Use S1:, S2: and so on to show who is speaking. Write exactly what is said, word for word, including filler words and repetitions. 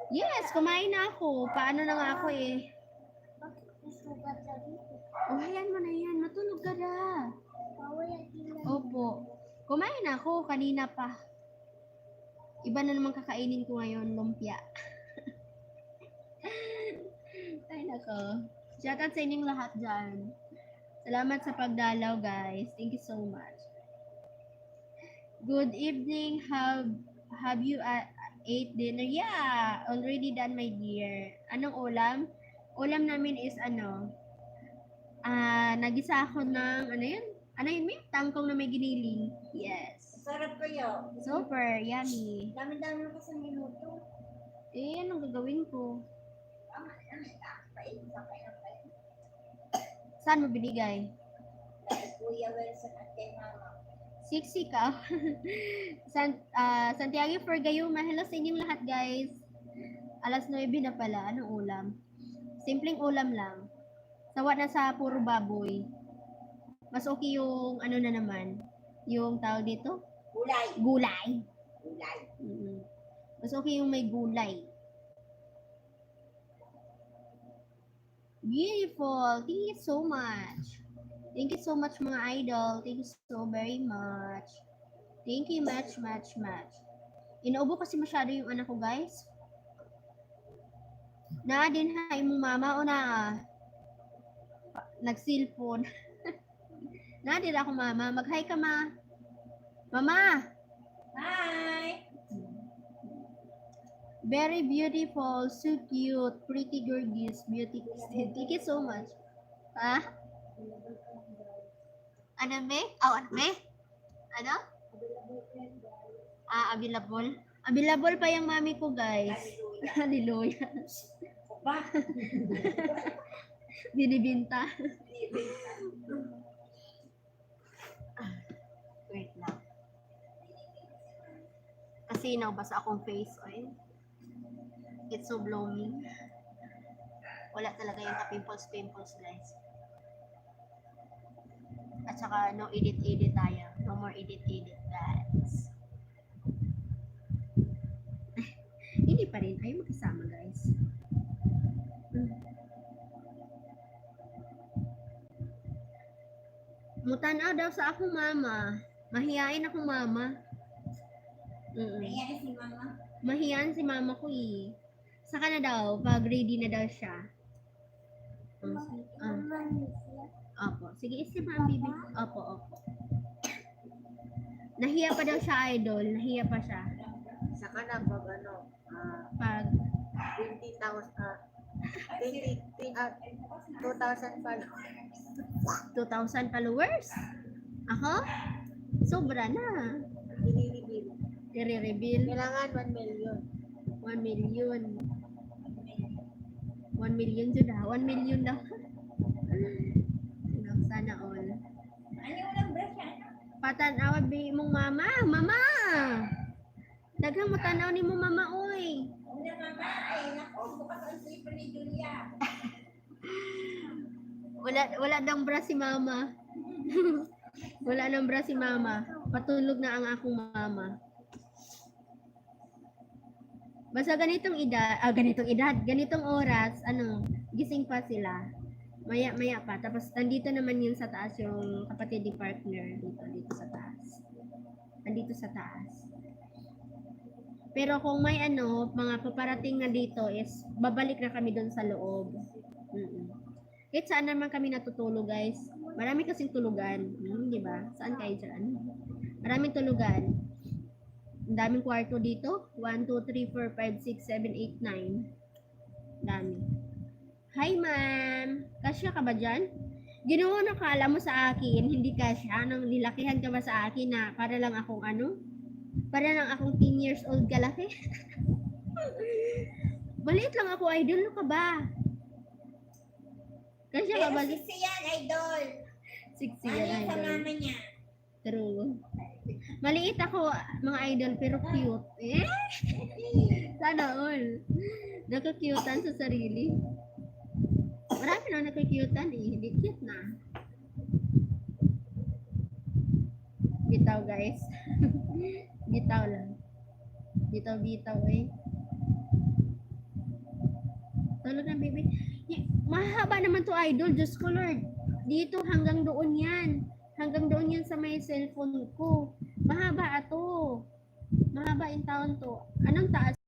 S1: Yes, kumain na ako. Paano na nga ako eh.
S2: Bakit may sugat sa dito?
S1: Oh, hayan mo na yan. Matulog ka na.
S2: Bawal ang tingnan.
S1: Opo. Kumain na ako. Kanina pa. Iba na naman kakainin ko ngayon. Lumpia. Ay, nako. Shoutout sa inyong lahat dyan. Salamat sa pagdalaw, guys. Thank you so much. Good evening. Have have you uh, ate dinner? Yeah, already done, my dear. Anong ulam? Ulam namin is ano? Ah, nagisa ako ng ano yun? Ano yun, may tangkong na may giniling. Yes.
S2: Sarap kayo.
S1: Super, yummy.
S2: Dami-dami ko sa minuto.
S1: Eh, anong gagawin ko?
S2: Tama na, may kakapain sa kayo.
S1: Saan mo binigay?
S2: Kay Kuya Wilson at kay Mama.
S1: Siksi ka. San, ah, Santiago for Gayuma. Hello sa inyong lahat, guys. Alas nuwebe na pala. Anong ulam? Simpleng ulam lang. Sawa na sa puro baboy. Mas okay yung ano na naman. Yung tawag dito?
S2: Gulay.
S1: Gulay.
S2: Gulay.
S1: Mm. Mas okay yung may gulay. Beautiful. Thank you so much. Thank you so much, mga idol. Thank you so very much. Thank you much, much, much. Inuubo kasi masyado yung anak ko, guys. Na din ha, imong mama o na nag-cellphone. Na din ako, mama. Mag-hi ka, ma. Mama!
S2: Hi!
S1: Very beautiful, so cute, pretty gorgeous, beauty. Thank you so much. Ha? Ano, me? Oh, ano, me? Ano? Ah, available. Available pa yung mami ko, guys. Hallelujah.
S2: Ba?
S1: Binibinta. Wait lang. Kasi naubasa akong face oil. It's so blooming. Wala talaga yung ka-pimples-pimples, guys. At saka, no edit-edit tayo. No more edit-edit, guys. Hindi pa rin. Ayaw magkasama, guys. Mutanaw daw sa akong mama. Mahiyain akong mama. Mm-mm.
S2: Nangyari si Mama.
S1: Mahiyain si mama ko eh. Saka na daw, pag ready na daw siya. Um, ah,
S2: Mama niya siya.
S1: opo. Sige, isip mo ang bibig. Opo, opo. Nahiya pa daw siya, idol. Nahiya pa siya.
S3: Saka na pag ano, ah,
S1: Pag
S3: twenty thousand, ah, twenty, ah, two thousand followers.
S1: two thousand followers. Ako? Sobra na.
S3: Dinireveal.
S1: I-reveal.
S3: Kailangan one million.
S1: one million. one million dyan ah. one million daw. Sana all.
S2: Ano yung ulang brush yan?
S1: Patanaw bi mong mama. Mama! Daghang matanaw ni mo mama, oy.
S2: Una Mama, ay nako, bukas ang slipper ni Julia.
S1: Wala wala dang bra si mama. Wala nang bra si mama. Patulog na ang akong mama. Basta ganitong edad, ah, ganitong edad, ganitong oras, ano, gising pa sila. Maya-maya pa. Tapos nandito naman yun sa taas yung kapatid ni partner dito, dito sa taas. Nandito sa taas. Pero kung may ano, mga paparating na dito is babalik na kami doon sa loob. Mm-mm. Kahit saan naman kami natutulog, guys. Marami kasing tulugan. Hmm, di ba? Saan kayo dyan? Maraming tulugan. Ang daming kwarto dito. one, two, three, four, five, six, seven, eight, nine. Dami. Hi, ma'am. Kasya ka ba dyan? Ginawa na kala mo sa akin, hindi kasya. Anong nilakihan ka ba sa akin na para lang akong ano? Para lang akong ten years old kalaki? Maliit lang ako, idol. Ano ka ba? Kasya ka
S2: Pero
S1: ba?
S2: sisi yan, idol.
S1: Siksi
S2: Ano
S1: yan,
S2: yung sa
S1: idol.
S2: mama niya?
S1: True. Maliit ako, mga idol, pero cute. Eh? Sana all. Nakakutan sa sarili. Marami na nakakutan eh. Hindi cute na. Bitaw, guys. Bitaw lang. Bitaw, bitaw eh. Tulog ng baby. Y- mahaba naman to idol. Diyos ko Lord. Dito hanggang doon yan. Hanggang doon yan sa may cellphone ko. Mahaba ato. Mahaba in town to. Anong taas?